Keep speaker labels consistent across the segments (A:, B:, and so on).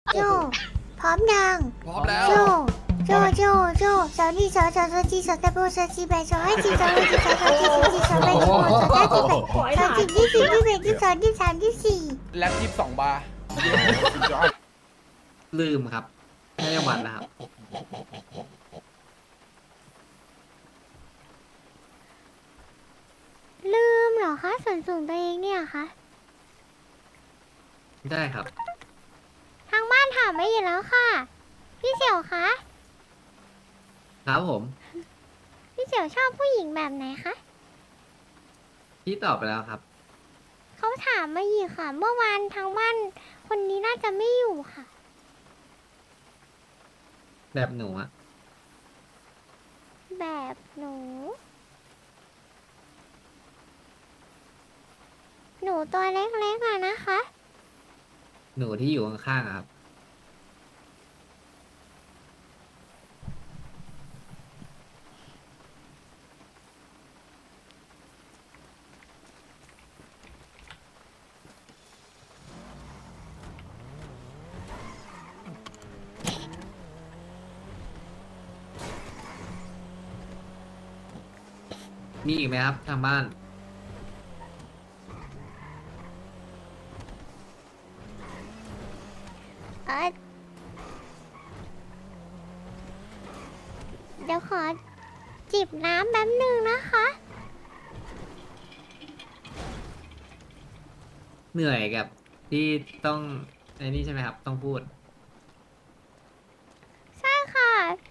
A: โจพร้อมยัง
B: พร้อมแล้ว
A: โจโจสาวนี่สาวจีสาวตะโบสาวจีแบสาวให้จีสาวให้จีสาวจีสาวจีสาวแบสาวสาวจีแบสาวจีที่4ที่8ที่2ที่3ที่4
B: แล็บ22 บาร์
C: ลืมครับไม่ได้วัดแล้วครับ
A: ลืมเหรอคะส่วนสูงตัวเองเนี่ยคะ
C: ได้ครับ
A: ทางบ้านถามไม่อยู่แล้วค่ะ พี่เสี่ยวคะ
C: ครับผม
A: พี่เสี่ยวชอบผู้หญิงแบบไหนคะ
C: พี่ตอบไปแล้วครับ
A: เขาถามมาอีกค่ะ เมื่อวานทางบ้านคนนี้น่าจะไม่อยู่ค่ะ
C: แบบหนูอะ
A: แบบหนู หนูตัวเล็กๆอะนะคะ
C: หนูที่อยู่ข้างๆอะครับ มีอีกไหมครับทางบ้าน
A: เออเดี๋ยวขอจิบน้ำแป๊บนึงนะคะ
C: เหนื่อยกับที่ต้องไอ้นี่ใช่ไหมครับ ต้องพูด
A: ใช่ค่ะ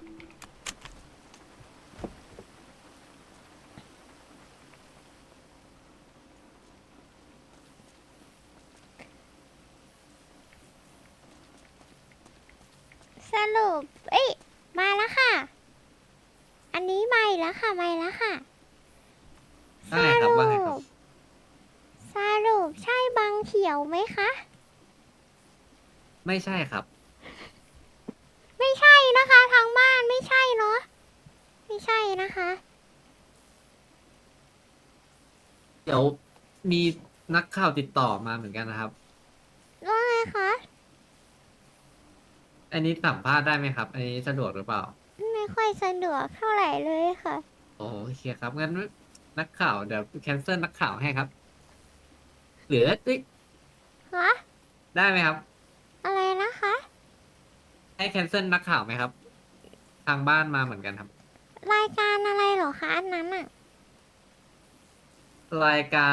A: สรุป เอ้ย มาแล้วค่ะ อันนี้มาอีกแล้วค่ะ มาอีกแล้วค่ะ
C: ว่าไงครับว่าไงครับ
A: สรุปใช่บางเขียวไหมคะ
C: ไม่ใช่ครับ
A: ไม่ใช่นะคะทางบ้านไม่ใช่เนาะไม่ใช่นะคะ
C: เดี๋ยวมีนักข่าวติดต่อมาเหมือนกันนะครับ
A: ว่าไงคะ
C: อันนี้สัมภาษณ์ได้ไหมครับ อันนี้สะดวกหรือเปล่า
A: ไม่ค่อยสะดวกเท่าไหร่เลยค่ะ
C: โอเคครับงั้นนักข่าวเดี๋ยวแคนเซิลนักข่าวให้ครับหรือเอ้ย
A: ฮะ
C: ได้ไหมครับ
A: อะไรนะคะ
C: ให้แคนเซิลนักข่าวไหมครับ ทางบ้านมาเหมือนกันครับ
A: รายการอะไรเหรอคะอันนั้นอะ
C: รายการ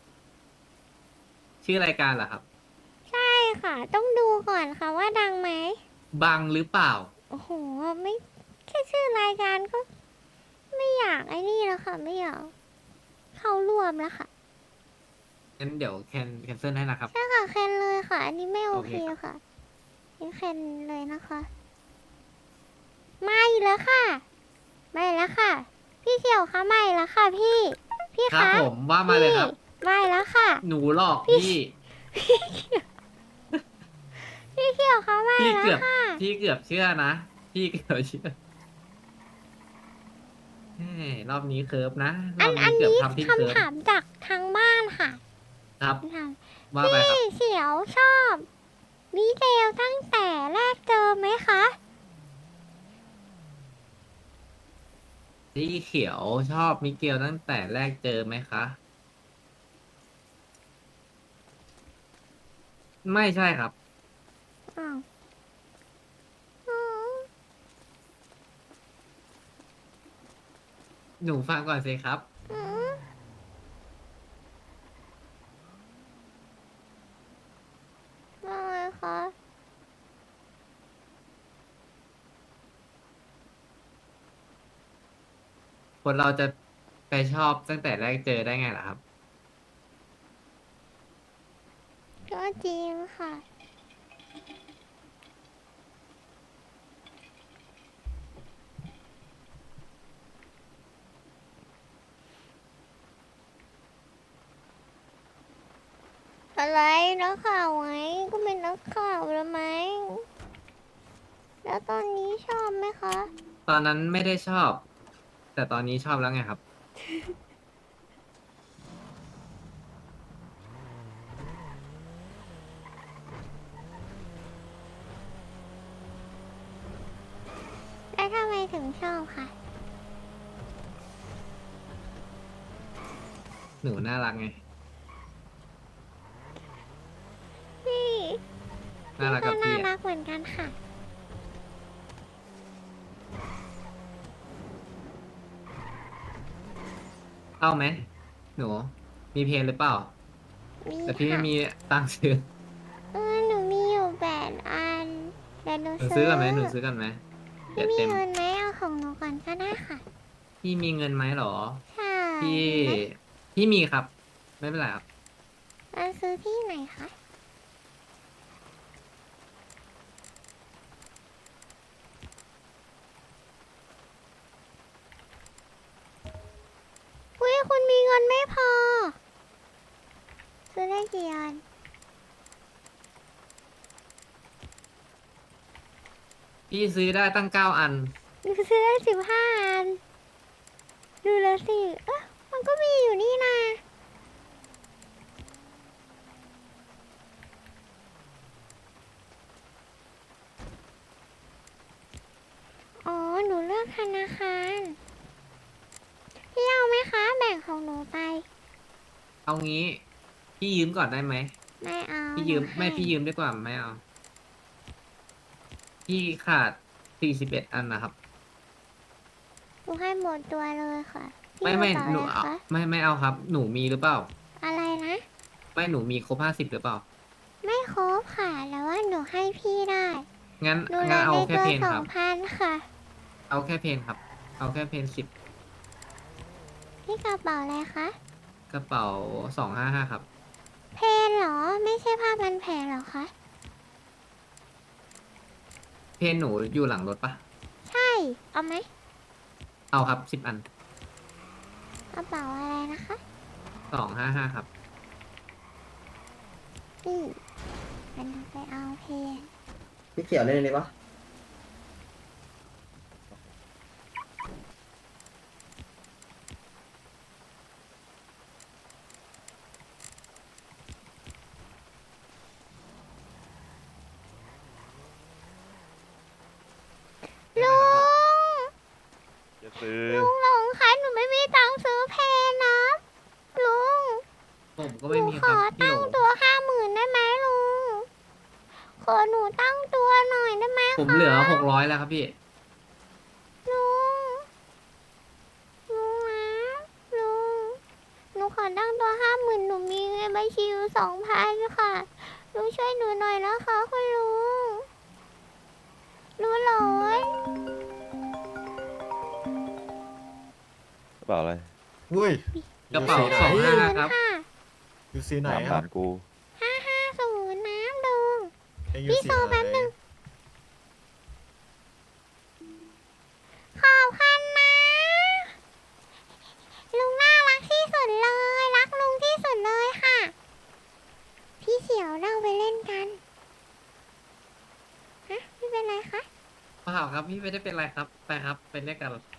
C: ชื่อรายการเหรอครับ
A: ใช่ค่ะ ต้องดูก่อนค่ะว่าดังไหม
C: บังหรือเปล่า
A: โอ้โหไม่แค่ชื่อรายการก็ไม่อยากไอ้นี่แล้วค่ะ ไม่อยากเข้าร่วมแล้วค่ะ
C: งั้นเดี๋ยวแคนเซิลให้นะครับ
A: ใช่ค่ะแคนเลยค่ะ อันนี้ไม่โอเค
C: โอเคครับ
A: ค่ะนี่แคนเลยนะคะไม่แล้วค่ะ ไม่แล้วค่ะ พี่เสี่ยวคะไม่แล้วค่ะพี่ พี่
C: ครับ
A: คะ
C: ผมว่ามาเลยครับ
A: ไม่แล้วค่ะ
C: หนูหลอกพี่
A: พี่เสี่ยวคะไม่
C: พี่
A: แล้ว
C: เกือบ
A: ค่ะ
C: พี่เกือบเชื่อนะ พี่เกือบเชื่อเฮ้ยรอบนี้เคิร์ฟนะร
A: อั
C: อน บ
A: อั
C: นี้
A: น
C: เกือบ
A: นี้
C: ทำที่เคิร์ฟ
A: คำถามจากทางบ้านค่ะ
C: ครับ
A: ถาม
C: ว่าไปครับ
A: พี่เสี่ยวชอบมิเดลตั้งแต่แรกเจอไหมคะ
C: สีเขียวชอบมิเกลตั้งแต่แรกเจอไหมคะ ไม่ใช่ครับ
A: อ้าวอ๋อ
C: หนูฟังก่อนสิครับ
A: อืมว่าไงคะ
C: คนเราจะไปชอบตั้งแต่แรกเจอได้ไงล่ะครับ
A: ก็จริงค่ะ อะไรนักข่าวไงก็เป็นนักข่าวแล้วไหม แล้วตอนนี้ชอบไหมคะ
C: ตอนนั้นไม่ได้ชอบ แต่ตอนนี้ชอบแล้วไงครับ
A: ถึงชอบค่ะ
C: หนูน่ารักไง
A: พี่
C: น่ารัก
A: ก็
C: กับ
A: น่า
C: พี่
A: รั
C: อะ
A: กเหมือนกันค่ะ
C: เอาไหมหนู มีเพลงหรือเปล่า
A: มี
C: แต่พี่ไม่
A: ค่ะ
C: มีตังค์ซื้อ
A: หนูมีอยู่8 อันเดี๋ยวหนู
C: หนู
A: ซื้
C: ซื้อ
A: อ
C: กันไหมหนูซื้อกันไหมเดี๋
A: พี่
C: ยว
A: มี
C: เต็ม
A: เงินไหมเอาของหนูก่อนก็ได้ค่ะ
C: พี่มีเงินไหมหรอ
A: ใช่
C: พี่
A: มีไหม
C: พี่มีครับ ไม่เป็นไรครับ
A: ซื้อที่ไหนคะ อุ้ยคุณมีเงินไม่พอ ซื้อได้กี่อัน
C: พี่ซื้อได้ตั้ง9 อัน
A: หนูซื้อได้15 อัน ดูแล้วสิ มันก็มีอยู่นี่นะ อ๋อ หนูเลือกธนาคาร พี่เอาไหมคะ แบ่งของหนูไป
C: เอางี้ พี่ยืมก่อนได้ไหม
A: ไม่เอา
C: พี่ยืม
A: หนูให้
C: ไม่พี่ยืมดีกว่าไม่เอา พี่ขาด41 อันนะครับ
A: หนูให้หมดตัวเลยค่ะ พี่
C: ไม่
A: กระเป๋า
C: หนู
A: อะไร
C: เอา
A: คะ
C: ไม่เอาครับ หนูมีหรือเปล่า
A: อะไรนะ
C: ไม่หนูมีครบ50หรือเปล่า
A: ไม่ครบค่ะ แต่ว่าหนูให้พี่ได้
C: งั้น
A: หนูเหล
C: งั้น
A: ย
C: เอา
A: ใน
C: แค่
A: ตัว
C: เพน
A: สอ
C: ครั
A: ง
C: บ
A: พันค่ะ
C: เอาแค่เพนครับ เอาแค่เพน10
A: พี่กระเป๋าอะไรคะ
C: กระเป๋า255ครับ
A: เพนเหรอ ไม่ใช่ผ้าพันแผลเหรอคะ
C: เพนหนูอยู่หลังรถปะ
A: ใช่ เอาไหม
C: เอาครับ10 อัน
A: กระเป๋าอะไรนะคะ
C: 255ครับ
A: นี่มันไปเอาเพน
B: พี่เขียวเล่นเลยปะ
A: ลุง
D: จะซื้อ
A: ลุงหลงคะหนูไม่มีตังค์ซื้อเพนนะ ลุง
C: ผมก็
A: ห
C: ไม่
A: นู
C: มี
A: ข
C: ครั
A: อบ
C: พี่
A: ตั้
C: โหล
A: งตัว50,000ได้ไหมลุง ขอหนูตั้งตัวหน่อยได้ไหมคะ
C: ผมเหลือ600แล้วครับพี่
A: ลุง ลุงนะลุง หนูขอตั้งตัว50,000หนูมีเงินบัญชีอยู่2,000ค่ะ ลุงช่วยหนูหน่อยนะคะคุณลุงรู้หรอก
D: ระเป๋าอะไร
E: อุ้ย
C: กระเป๋า
E: อยู่
C: สอง
E: สี
C: ห้า
E: ไหน
C: ครับ
A: ค่ะ
E: อยู่สีไหน
D: ตาม
E: ครั
D: ผ่า
E: บ
D: นกู
A: 550น้ำลุง
E: เอ็งอยู่
A: พี่
E: สี
A: โซ
E: ไหน
A: แป๊บนึง ขอบคุณนะ ลุงน่ารักที่สุดเลย รักลุงที่สุดเลยค่ะ พี่เขียวเราไปเล่นกัน ฮะ พี่เป็นไรคะ
C: เปล่าครับพี่ไม่ได้เป็นไรครับ ไปครับ ไปเล่นกัน